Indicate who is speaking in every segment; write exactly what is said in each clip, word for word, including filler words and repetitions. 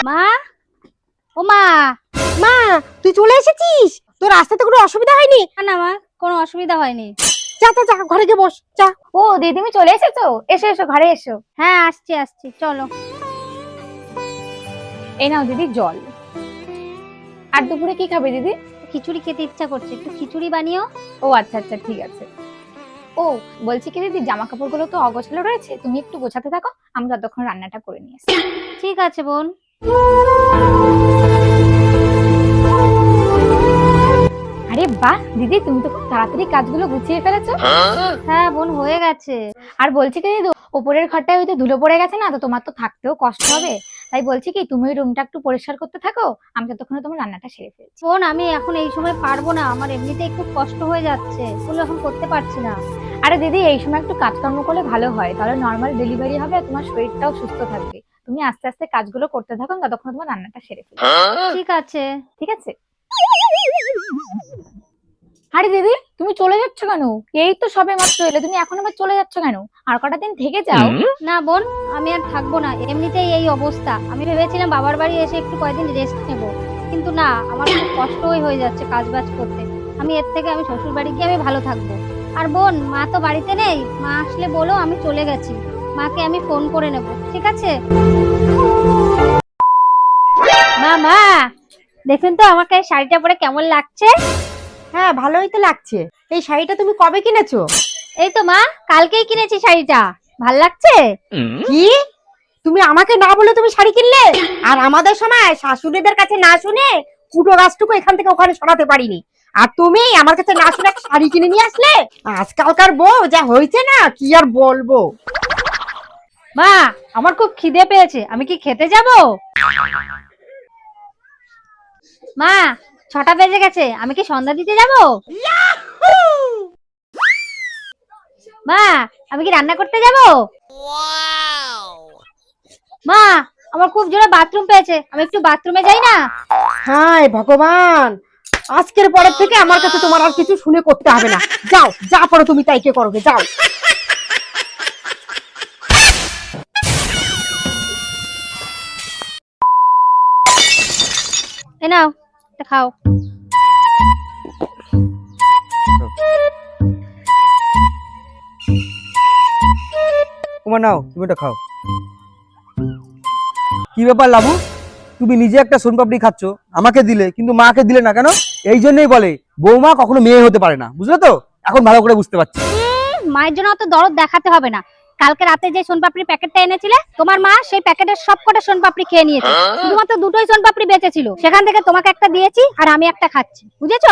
Speaker 1: মা, ও মা।
Speaker 2: মা, তুই চলে এসেছিস? তোর রাস্তাতে কোনো অসুবিধা হয়নি?
Speaker 1: না না মা, কোনো অসুবিধা হয়নি।
Speaker 2: যা যা যা, ঘরে গিয়ে বস যা।
Speaker 1: ও দিদি, তুমি চলে এসেছো? এসো এসো, ঘরে এসো। হ্যাঁ আসছি আসছি, চলো। এই নাও দিদি জল। আর দুপুরে কি খাবে দিদি? খিচুড়ি খেতে ইচ্ছা করছে, একটু খিচুড়ি বানিও। ও আচ্ছা আচ্ছা, ঠিক আছে। ও বলছি কি দিদি, জামা কাপড়গুলো তো অগোছালো রয়েছে, তুমি একটু গোছাতে থাকো, আমি ততক্ষণ রান্নাটা করে নিয়ে আসি। ঠিক আছে বোন। আরে বাহ দিদি, তুমি তো খুব তাড়াতাড়ি কাজগুলো গুছিয়ে ফেলেছো। হ্যাঁ বোন, হয়ে গেছে। আর বলছি কি দিদি, উপরের ঘরটায় হয়তো ধুলো পড়ে গেছে না, তো তোমার তো থাকতেও কষ্ট হবে, তাই বলছি কি তুমি ওই রুমটা একটু পরিষ্কার করতে থাকো, আমি ততক্ষণে তোমার রান্নাটা সেরে ফেলছি। বোন আমি এখন এই সময় পারবো না, আমার এমনিতেই খুব কষ্ট হয়ে যাচ্ছে, ওগুলো এখন করতে পারছি না। আরে দিদি, এই সময় একটু কাজকর্ম করলে ভালো হয়, তাহলে নর্মাল ডেলিভারি হবে আর তোমার শরীরটাও সুস্থ থাকবে। তুমি আস্তে আস্তে কাজগুলো করতে থাকো, ততক্ষণ তোমার রান্নাটা সেরে ফেলছি। ঠিক আছে ঠিক আছে। আরে দিদি, তুমি চলে যাচ্ছ কেন? এই তো সবে মাত্র এলে, তুমি এখন আবার চলে যাচ্ছ কেন? আর কটা দিন থেকে যাও। না বোন, আমি আর থাকবো না, এমনিতেই এই অবস্থা। আমি ভেবেছিলাম বাবার বাড়ি এসে একটু কয়েকদিন রেস্ট নেব, কিন্তু না, আমার খুব কষ্টই হয়ে যাচ্ছে কাজ বাজ করতে। আমি এর থেকে আমি শ্বশুর বাড়ি গিয়ে আমি ভালো থাকবো। আর বোন, মা তো বাড়িতে নেই, মা আসলে বলো আমি চলে গেছি, মাকে আমি ফোন করে নেব, ঠিক আছে? মা মা, দেখুন তো আমাকে এই শাড়িটা পরে কেমন লাগছে।
Speaker 2: হ্যাঁ, ভালোই তো লাগছে। এই শাড়িটা তুমি কবে কিনেছো?
Speaker 1: এই তো মা, কালকেই কিনেছি শাড়িটা। ভাল লাগছে?
Speaker 2: কি, তুমি আমাকে না বলে তুমি শাড়ি কিনলে? আর আমাদের সময় শাশুড়িদের কাছে না শুনে কুটো গাছটুকু এখান থেকে ওখানে সরাতে পারিনি, আর তুমি আমার কাছে না শুনে একটা শাড়ি কিনে নিয়ে আসলে। আজকালকার বউ যা হয়েছে না, কি আর বলবো।
Speaker 1: মা, আমার খুব খিদে পেয়েছে, আমি কি খেতে যাব? মা, ছটা বেজে গেছে, আমি কি সন্ধ্যা দিতে যাব? মা, আমি কি রান্না করতে যাব? মা, আমার খুব জোরে বাথরুম পেয়েছে, আমি একটু বাথরুমে যাই না?
Speaker 2: হায় ভগবান, আজকের পরের থেকে আমার কাছে তোমার আর কিছু শুনে করতে হবে না। যাও, যা করো তুমি তাই কে করবে, যাও।
Speaker 1: এই নাও, এটা খাও।
Speaker 3: তোমার নাও, তুমি এটা খাও। কি ব্যাপার লাবু, তুমি নিজে একটা সোনপাপড়ি খাচ্ছ, আমাকে দিলে কিন্তু মাকে দিলে না কেন? এই জন্যই বলে বৌমা কখনো মেয়ে হতে পারে না, বুঝলে তো? এখন ভালো করে বুঝতে পারছি।
Speaker 1: মায়ের জন্য অত দরদ দেখাতে হবে না। কালকে রাতে যে সোনপাপড়ির প্যাকেটটা এনেছিলে, তোমার মা সেই প্যাকেটের সবকটা সোনপাপড়ি খেয়ে নিয়েছে, শুধুমাত্র দুটোই সোনপাপড়ি বেঁচে ছিল, সেখান থেকে তোমাকে একটা দিয়েছি আর আমি একটা খাচ্ছি, বুঝেছো?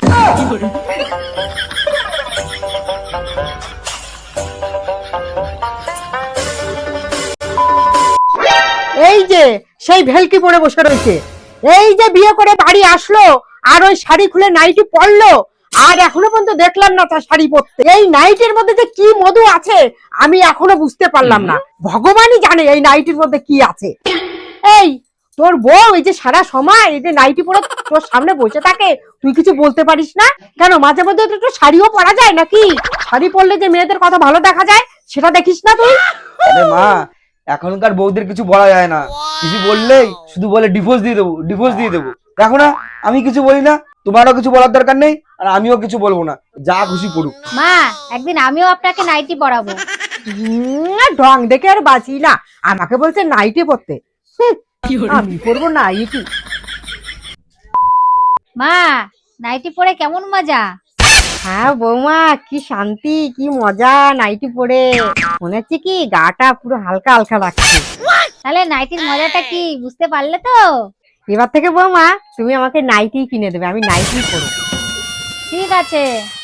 Speaker 2: এই যে সেই ভেলকি পরে বসে রয়েছে, এই যে বিয়ে করে বাড়ি আসলো আর ওই শাড়ি খুলে নাইটি পরলো, আর এখনো পর্যন্ত দেখলাম না তার শাড়ি পরতে। এই নাইটির মধ্যে যে কি মধু আছে আমি এখনো বুঝতে পারলাম না, ভগবানই জানে এই নাইটির মধ্যে কি আছে। এই তোর বউ এই যে সারা সময় এই যে নাইটি পরে তোর সামনে বসে থাকে, তুই কিছু বলতে পারিস না কেন? মাঝে মধ্যে তো একটু শাড়িও পরা যায় নাকি? শাড়ি পরলে যে মেয়েদের কথা ভালো দেখা যায় সেটা দেখিস না তুই?
Speaker 3: আরে মা, এখনকার বউদের কিছু বলা যায় না, কিছু বললেই শুধু বলে ডিভোর্স দিয়ে দেবো, ডিভোর্স দিয়ে দেবো। দেখো না, আমি কিছু বলি না, তোমারও কিছু বলার দরকার নেই, আর আমিও কিছু বলবো না, যা খুশি করুক।
Speaker 1: মা, একদিন আমিও আপনাকে নাইটি পরাবো।
Speaker 2: হুম, ঢং দেখে আর বাঁচি না, আমাকে বলছে নাইটি পরতে। হুঁ, আমি পরবো নাইটি?
Speaker 1: মা, নাইটি পরে কেমন মজা?
Speaker 2: হ্যাঁ বৌমা, কি শান্তি, কি মজা নাইটি পরে, মনে হচ্ছে কি গাটা পুরো হালকা হালকা লাগছে।
Speaker 1: তাহলে নাইটির মজাটা কি বুঝতে পারলে তো?
Speaker 2: এবার থেকে বৌমা তুমি আমাকে নাইটি কিনে দেবে, আমি নাইটি পরবো।
Speaker 1: ঠিক আছে।